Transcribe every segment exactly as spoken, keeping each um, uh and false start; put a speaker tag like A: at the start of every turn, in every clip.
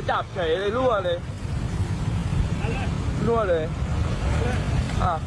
A: จับเฉยเลยรั่วเลยรั่วเลยอ่ะ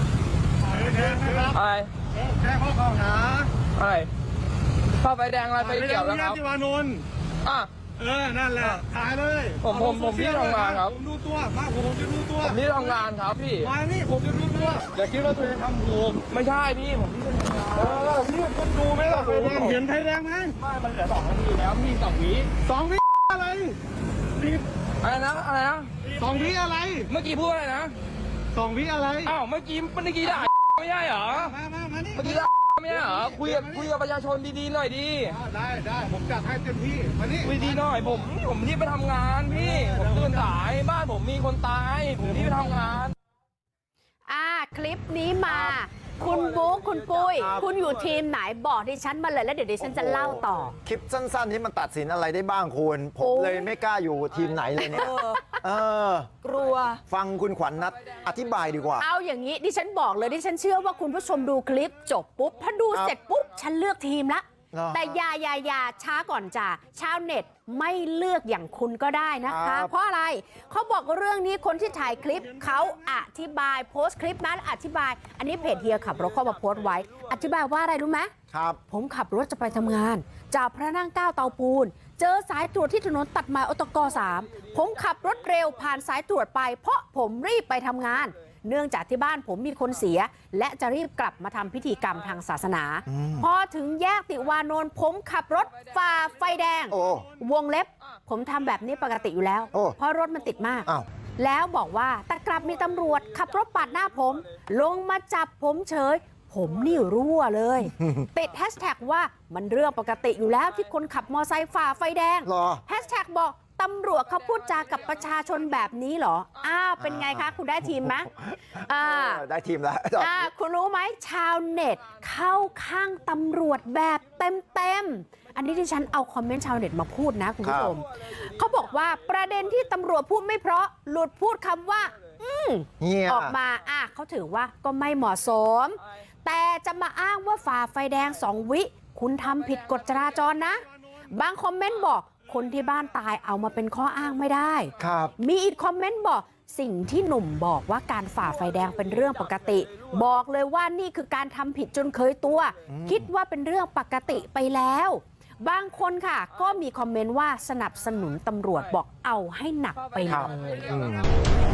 A: อะไร
B: แจ้งข้อกล่าวหา
A: อะไรข้าไฟแดงอะไรไฟเขียวแล้วครับ
B: ที่วานนท์
A: อ่ะ
B: เออนั่นแหละถ่ายเลย
A: ผมผมผมที่ทำงานครับ
B: ผมดูตัวมาผมจะดูตัว
A: ผมที่ทำงานครับพี่
B: มานี่ผมจะดูตัวอย่าคิดว่าตัวเองทำถูก
A: ไม่ใช่พี่ผมที่ทำงาน
B: เออพี่คุณดูไหมล่ะไฟแดงเห็นไฟแดงไหม
A: ไม่มันเหลือสองนาทีแล้วพี่สองวิ
B: สองวิอะไร
A: อะไรนะอะไรนะ
B: สองวิอะไร
A: เมื่อกี้พูดอะไรนะ
B: สองวิอะไร
A: อ้าวเมื่อกี้เมื่อกี้ด่าไม่ใช่เหรอ
B: มามามานี่
A: เมื่อกี้ด่าไม่ใช่เหรอคุยกับคุยกับประชาชนดีๆหน่อยดี
B: ได้ได้ผมจัดให้เต็มที่มานี่
A: คุยดีหน่อยผมผมที่ไปทำงานพี่ผมตื่นสายบ้านผมมีคนตายผมที่ไปทำงาน
C: อ่าคลิปนี้มาคุณบุ๊คคุณปุ้ยคุณอยู่ทีมไหนบอกดิฉันมาเลยแล้วเดี๋ยวดิฉันจะเล่าต่อ
D: คลิปสั้นๆนี้มันตัดสินอะไรได้บ้างคุณผมเลยไม่กล้าอยู่ทีมไหนเลยเนี่ยเออก
C: ลัว
D: ฟังคุณขวัญนัทอธิบายดีกว่า
C: เอาอย่างนี้ดิฉันบอกเลยดิฉันเชื่อว่าคุณผู้ชมดูคลิปจบปุ๊บพอดูเสร็จปุ๊บฉันเลือกทีมละแต่ยายายาช้าก่อนจ้ะชาวเน็ตไม่เลือกอย่างคุณก็ได้นะคะเพราะอะไรเขาบอกเรื่องนี้คนที่ถ่ายคลิปเขาอธิบายโพสต์คลิปนั้นอธิบายอันนี้เพจเฮียขับรถเข้ามาโพสต์ไว้อธิบายว่าอะไรรู้ไหม
D: ครับ
C: ผมขับรถจะไปทำงานจากพระนั่งเก้าเตาปูนเจอสายตรวจที่ถนนตัดไม้อตกสามผมขับรถเร็วผ่านสายตรวจไปเพราะผมรีบไปทำงานเนื่องจากที่บ้านผมมีคนเสียและจะรีบกลับมาทำพิธีกรรมทางศาสนาพอถึงแยกติวานนท์ผมขับรถฝ่าไฟแดงวงเล็บผมทำแบบนี้ปกติอยู่แล้วเพราะรถมันติดมากแล้วบอกว่าแต่กลับมีตำรวจขับรถปาดหน้าผมลงมาจับผมเฉยผมนี่รั่วเลยติดแฮชแท็กว่ามันเรื่องปกติอยู่แล้วที่คนขับมอไซค์ฝ่าไฟแดงแฮชแท็กบอกตำรวจเขาพูดจากับประชาชนแบบนี้เหรออ้าวเป็นไงคะคุณได้ทีมไหมอ่า
D: ได้ทีมแล้ว
C: อ่าคุณรู้ไหมชาวเน็ตเข้าข้างตำรวจแบบเต็มๆอันนี้ที่ฉันเอาคอมเมนต์ชาวเน็ตมาพูดนะคุณผู้ชมเขาบอกว่าประเด็นที่ตำรวจพูดไม่เพราะหลุดพูดคำว่าอืมออกมาอ่ะเขาถือว่าก็ไม่เหมาะสมแต่จะมาอ้างว่าฝ่าไฟแดงสองวิคุณทำผิดกฎจราจรนะบางคอมเมนต์บอกคนที่บ้านตายเอามาเป็นข้ออ้างไม่ได้
D: ครับ
C: มีอีกคอมเมนต์บอกสิ่งที่หนุ่มบอกว่าการฝ่าไฟแดงเป็นเรื่องปกติบอกเลยว่านี่คือการทำผิดจนเคยตัวคิดว่าเป็นเรื่องปกติไปแล้วบางคนค่ะก็มีคอมเมนต์ว่าสนับสนุนตำรวจบอกเอาให้หนักไปเลย